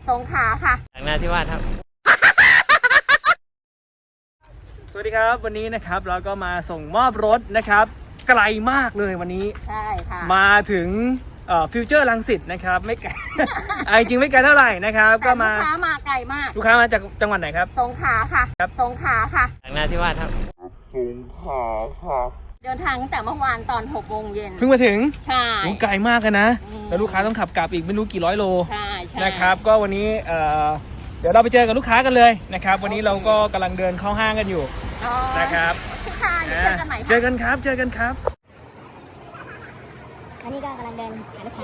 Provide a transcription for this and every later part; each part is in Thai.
สงขลาค่ะจากนาทิวาสครับสวัสดีครับวันนี้นะครับเราก็มาส่งมอบรถนะครับไกลมากเลยวันนี้ใช่ค่ะมาถึงฟิวเจอร์รังสิตนะครับไม่ไกล จริงไม่ไกลเท่าไหร่นะครับก็มาลูกค้ามาไกลมากลูกค้ามาจากจังหวัดไหนครับสงขลาค่ะสงขลาค่ะจากนาทิวาสครับสงขลาค่ะเดินทางตั้งแต่เมื่อวานตอน6 โมงเย็นเพิ่งมาถึงใช่ไกลมากกันนะแล้วลูกค้าต้องขับกลับอีกไม่รู้กี่ร้อยโลใช่นะครับก็วันนี้เดี๋ยวเราไปเจอกับลูกค้ากันเลยนะครับวันนี้เราก็กำลังเดินเข้าห้างกันอยู่นะครับค่ะเจอกันไหนเจอกันครับเจอกันครับอันนี้ก็กำลังเดินหาลูกค้า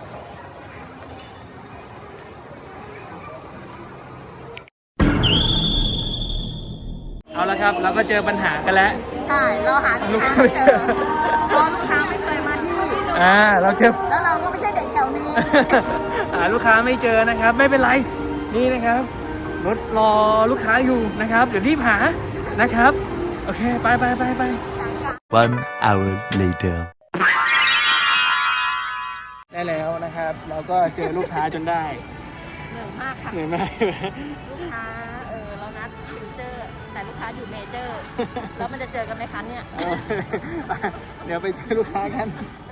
เอาละครับเราก็เจอปัญหากันแล้วใช่เราหาลูกค้าไม่เจอเพราะลูกค้าไม่เคยมาที่เราเจอแล้วเราก็ไม่ใช่เด็กแถวนี้หาลูกค้าไม่เจอนะครับไม่เป็นไรนี่นะครับรถรอลูกค้าอยู่นะครับเดี๋ยวรีบหานะครับโอเคไป One hour later ได้แล้วนะครับเราก็เจอลูกค้าจนได้เหนื่อยมากค่ะเหนื่อยมากลูกค้าเรานัดฟิวเจอร์แต่ลูกค้าอยู่เมเจอร์แล้วมันจะเจอกันไหมคะเนี่ยเดี๋ยวไปเจอลูกค้ากัน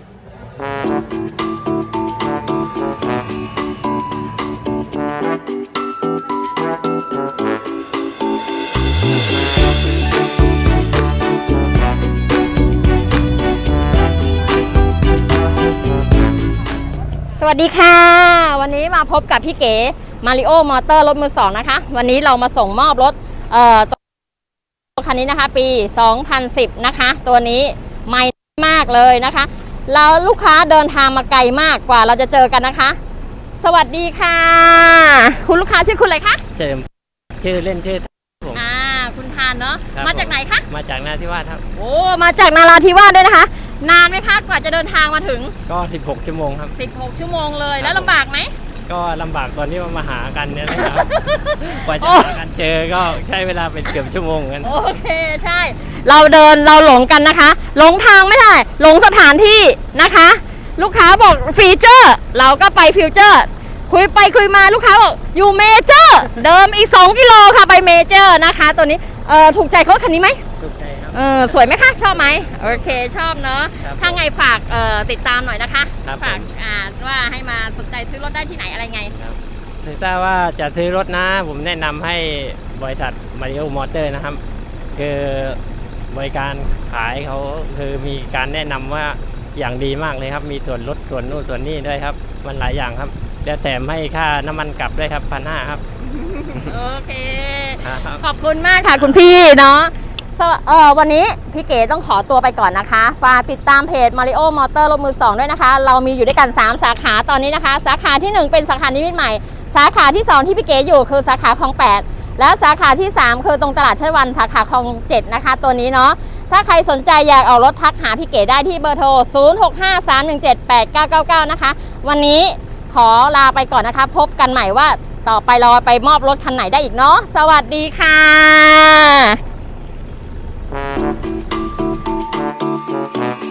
สวัสดีค่ะวันนี้มาพบกับพี่เก๋มาริโอมอเตอร์รถมือ2นะคะวันนี้เรามาส่งมอบรถคันนี้นะคะปี2010นะคะตัวนี้ใหม่มากเลยนะคะเราลูกค้าเดินทางมาไกลมากกว่าเราจะเจอกันนะคะสวัสดีค่ะคุณลูกค้าชื่อคุณอะไรคะชื่อเล่นชื่อผมคุณทานเนาะมาจากไหนคะมาจากนาทิวาสครับโอ้มาจากนาราธิวาสด้วยนะคะนานไหมคะกว่าจะเดินทางมาถึงก็16 ชั่วโมงครับ 16 ชั่วโมงเลยแล้วลำบากไหมก็ลำบากตอนที่มาหากันเนี่ยนะครับกว่าจะหากันเจอก็ใช้เวลาเป็นเกือบชั่วโมงกันโอเคใช่เราเดินเราหลงกันนะคะหลงทางไม่ได้หลงสถานที่นะคะลูกค้าบอกฟีเจอร์เราก็ไปฟิวเจอร์คุยไปคุยมาลูกค้าบอกอยู่เมเจอร์เดิมอีก2 กิโลค่ะไปเมเจอร์นะคะตัวนี้ถูกใจเขาคันนี้ไหมถูกใจครับสวยไหมคะชอบไหมโอเคชอบเนาะถ้าไงฝากติดตามหน่อยนะคะฝากว่าให้มาสนใจซื้อรถได้ที่ไหนอะไรไงถ้าว่าจะซื้อรถนะผมแนะนำให้บริษัทมาริโอมอเตอร์นะครับคือบริการขายเขาคือมีการแนะนำว่าอย่างดีมากเลยครับมีส่วนลดส่วนนู่นส่วนนี่ด้วยครับมันหลายอย่างครับแล้วแถมให้ค่าน้ำมันกลับด้วยครับ1,500ครับโอเคขอบคุณมากค่ะคุณพี่เนาะวันนี้พี่เก๋ต้องขอตัวไปก่อนนะคะฝากติดตามเพจ Mario Motor รถมือ2ด้วยนะคะเรามีอยู่ด้วยกัน3 สาขาตอนนี้นะคะสาขาที่1เป็นสาขานิมิตรใหม่สาขาที่2ที่พี่เก๋อยู่คือสาขาคลอง8และสาขาที่3คือตรงตลาดเชยวันสาขาคลอง7นะคะตัวนี้เนาะถ้าใครสนใจอยากเอารถทักหาพี่เก๋ได้ที่เบอร์โทร0653178999นะคะวันนี้ขอลาไปก่อนนะคะพบกันใหม่ว่าต่อไปเราไปมอบรถคันไหนได้อีกเนาะสวัสดีค่ะ Thank you.